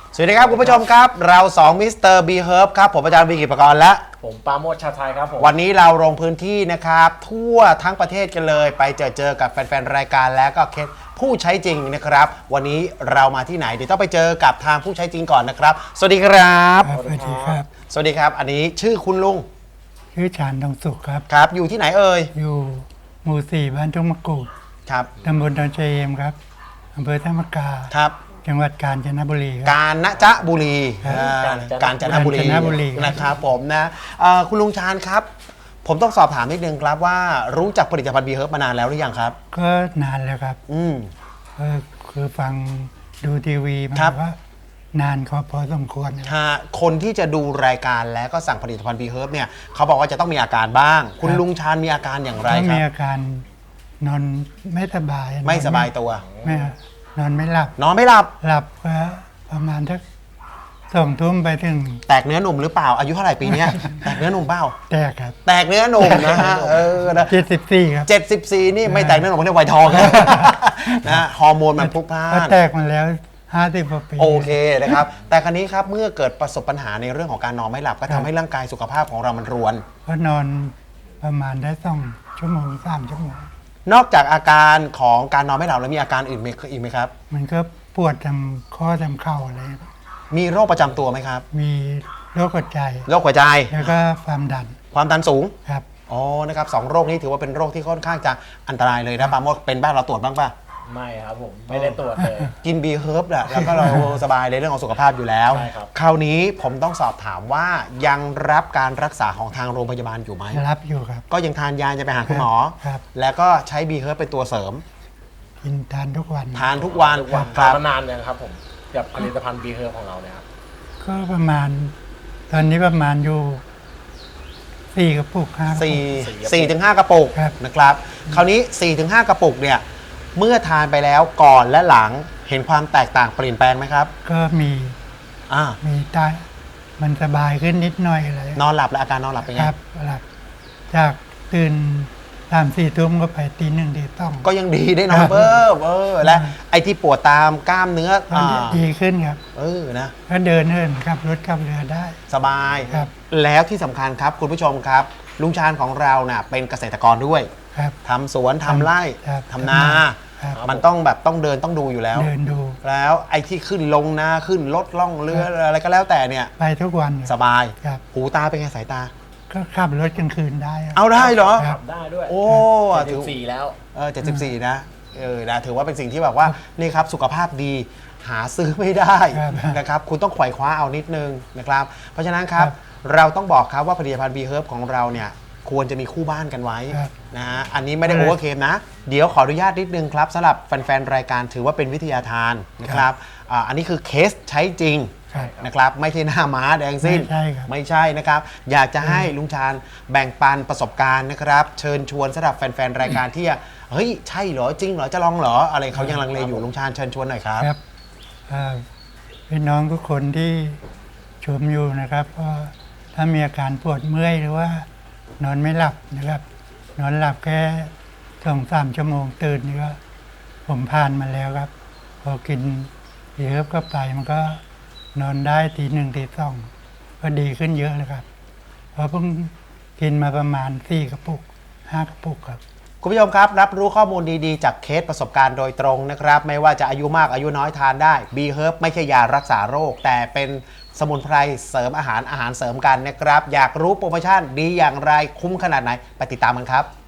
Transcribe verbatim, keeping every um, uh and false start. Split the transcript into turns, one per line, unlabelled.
สวัสดีครับคุณผู้ชมครับเราสองมิสเตอร์บีเฮิร์บครับผมอาจารย์วีกิจปกรณ์และ
ผมปาโมช ชาไทยครับผม
วันนี้เราลงพื้นที่นะครับทั่วทั้งประเทศกันเลยไปเจอเจอกับแฟนๆรายการและก็เคสผู้ใช้จริงนะครับวันนี้เรามาที่ไหนเดี๋ยวต้องไปเจอกับทางผู้ใช้จริงก่อนนะครับสวัสดีครับ
สวัสดีครับ
สวัสดีครับอันนี้ชื่อคุณลุง
ชื่อชาญทองสุขครับ
ครับอยู่ที่ไหนเอ่ย
อยู่หมู่สี่บ้านทุ่งมะกรูด
ครับ
ตำบลดอนเชยมครับอำเภอท่ามะกา
ครับ
จังหวัดกาญจนบุรีครับ
กาญจนบุรี
ครับ
อ่ากาญจนบุรี
กาญจนบุรีครับ
นะครับผมนะเอ่อคุณลุงชาญครับ ผมต้องสอบถามนิดนึงครับว่ารู้จักผลิตภัณฑ์บีเฮิร์บมานานแล้วหรือยังครับ
ก็นานแล้วครับ
อืม
ก็คือฟังดูทีวีมา
ครับ
ว่านานก็พอสมควรครับ
ถ้าคนที่จะดูรายการแล้วก็สั่งผลิตภัณฑ์บีเฮิร์บเนี่ยเขาบอกว่าจะต้องมีอาการบ้าง คุณลุงชาญมีอาการอย่างไร
ก็
ครั
มี
บ
อาการนอนไม่สบาย
ไม่สบายตัว
ไม่นอนไม่หลับ
นอนไม่หลับ
หลับก็ประมาณสักสองทุ่มไปถึง
แตกเนื้อหนุ่มหรือเปล่าอายุเท่าไหร่ปีเนี้ย แตกเนื้อหนุ่มเปล่า
แตกครับ
แตกเนื้อหนุ่มนะฮะเออนะ
เจ็ดสิบสี่ครับ
เจ็ดสิบสี่นี่ไม่แตกเนื้อหนุ่มไม่ได้ไวทองนะ นะฮอร์โมนมันพลุกพล่า
ก็
น
แตกมาแล้วห้าสิบกว่าปี
โอเคนะครับ แต่ครั้นี้ครับเมื่อเกิดประสบปัญหาในเรื่องของการนอนไม่หลับก็ทำให้ร่างกายสุขภาพของเรามันรวน
ก็นอนประมาณได้สองชั่วโมงสามชั่วโมง
นอกจากอาการของการนอนไม่หลับแล้วมีอาการอื่นอีกไหมครับ
มันก็ปวดทำข้อทำเข่าอะไร
มีโรคประจำตัวไหมครับ
มีโรคหัวใจ
โรคหัวใจ
แล้วก็ความดัน
ความดันสูง
ครับ
อ๋อนะครับสองโรคนี้ถือว่าเป็นโรคที่ค่อนข้างจะอันตรายเลยนะปาโมดเป็นบ้านเราตรวจบ้างป่ะ
ไม่ครับผมไม่ได้ตรวจเลย
กินบีเฮิร์บแหละแล้วก็เราสบายในเรื่องของสุขภาพอยู่แล้ว
ใช่ครับ
คราวนี้ผมต้องสอบถามว่ายังรับการรักษาของทางโรงพยาบาลอยู่ไหม
รับอยู่ครับ
ก็ยังทานยาจะไปหาคุณหมอ
ครับ
แล้วก็ใช้บีเฮิร์บเป็นตัวเสริม
กินทานทุกวัน
ทานทุกวัน
ทุกวัน
ครับ
มานานเลยครับผมกับผลิตภัณฑ์บีเฮิร์ของเราเนี่ยครับ
ก็ประมาณ ตอนนี้ประมาณอยู่สี่กระปุกห้ากระปุก
สี่สี่ถึงห้ากระปุก
ครับ
นะครับ คราวนี้สี่ถึงห้ากระปุกเนี่ยเมื่อทานไปแล้วก่อนและหลังเห็นความแตกต่างเปลี่ยนแปลงไหมครับ
ก็มี
อ่า
มีตามันสบายขึ้นนิดหน่อยอะไร
นอนหลับและอาการนอนหลับเป็น
ค
ไง
รับหลับจากตื่นสามสี่ทุ่มก็ไปตีหนึ่งตีต้อง
ก็ยังดีได้นอนเพิ่มเออและไอ้ที่ปวดตามกล้ามเนื้อ
ก็
อ่า
ดีขึ้นครับ
เออนะ
ก็เดินเหินขับรถขับเรือได้
สบาย
ครับ
แล้วที่สำคัญครับคุณผู้ชมครับ ลุงชาญของเราน่ะเป็นเกษตรกรด้วย
ครับ
ทำสวนทำไร่
ครับ
ทำนา
ครับ
มันต้องแบบต้องเดินต้องดูอยู่แล้ว
เดินดู
แล้วไอ้ที่ขึ้นลงนาขึ้นรถล่องเรืออะไรก็แล้วแต่เนี่ย
ไปทุกวัน
สบาย
ครับ
หูตาเป็นไงสายตา
ก็ขับรถกลางคืนได้ครับ
เอาได้เหรอ
ครั
ขั
บ
บได้ด้วย
โอ้
เจ็ด
ถื
สิ
อบ
สี่แล้ว
เออเจ็ดสิบสี่นะเออนะถือว่าเป็นสิ่งที่แบบว่านี่ครับสุขภาพดีหาซื้อไม่ได้
ครับ
นะครับคุณต้องไขว่คว้าเอานิดนึงนะครับ เพราะฉะนั้นครับ
ครับ
เราต้องบอกครับว่าผลิตภัณฑ์บีเฮิร์บของเราเนี่ยควรจะมีคู่บ้านกันไว้
ครับ
นะฮะอันนี้ไม่ได้
ครั
โอบ เวอร์เคมนะ เดี๋ยวขออนุญาตนิดนึงครับสำหรับแฟนๆรายการถือว่าเป็นวิทยาทานนะครับอ่าอันนี้คือเคสใช้จริง
ครับ
นะครับไม่ใช่หน้าม้าแดงสิ้น
ไม่ใช่ครับ
ไม่ใช่นะครับ อยากจะให้ลุงชาญแบ่งปันประสบการณ์นะครับ เชิญชวนสำหรับแฟนๆรายการที่เฮ้ยใช่เหรอจริงเหรอจะลองเหรออะไรเขายังลังเลอยู่ลุงชาญเชิญชวนหน่อยครับ
ครับเอ่อพี่น้องทุกคนที่ชมอยู่นะครับก็ถ้ามีอาการปวดเมื่อยหรือว่านอนไม่หลับนะครับ นอนหลับแค่สองสามชั่วโมงตื่นนี่ก็ผมผ่านมาแล้วครับ พอกินเยอะก็ไปมันก็นอนได้ทีหนึ่งทีสองก็ดีขึ้นเยอะเลยครับเพราะเพิ่งกินมาประมาณสี่กระปุกห้ากระปุกครับ
คุณผู้ชมครับรับรู้ข้อมูลดีๆ จากเคสประสบการณ์โดยตรงนะครับ ไม่ว่าจะอายุมากอายุน้อยทานได้ บีเฮิร์บไม่ใช่ยารักษาโรค แต่เป็นสมุนไพรเสริมอาหารอาหารเสริมกันนะครับ อยากรู้โปรโมชั่นดีอย่างไรคุ้มขนาดไหนไปติดตามกันครับ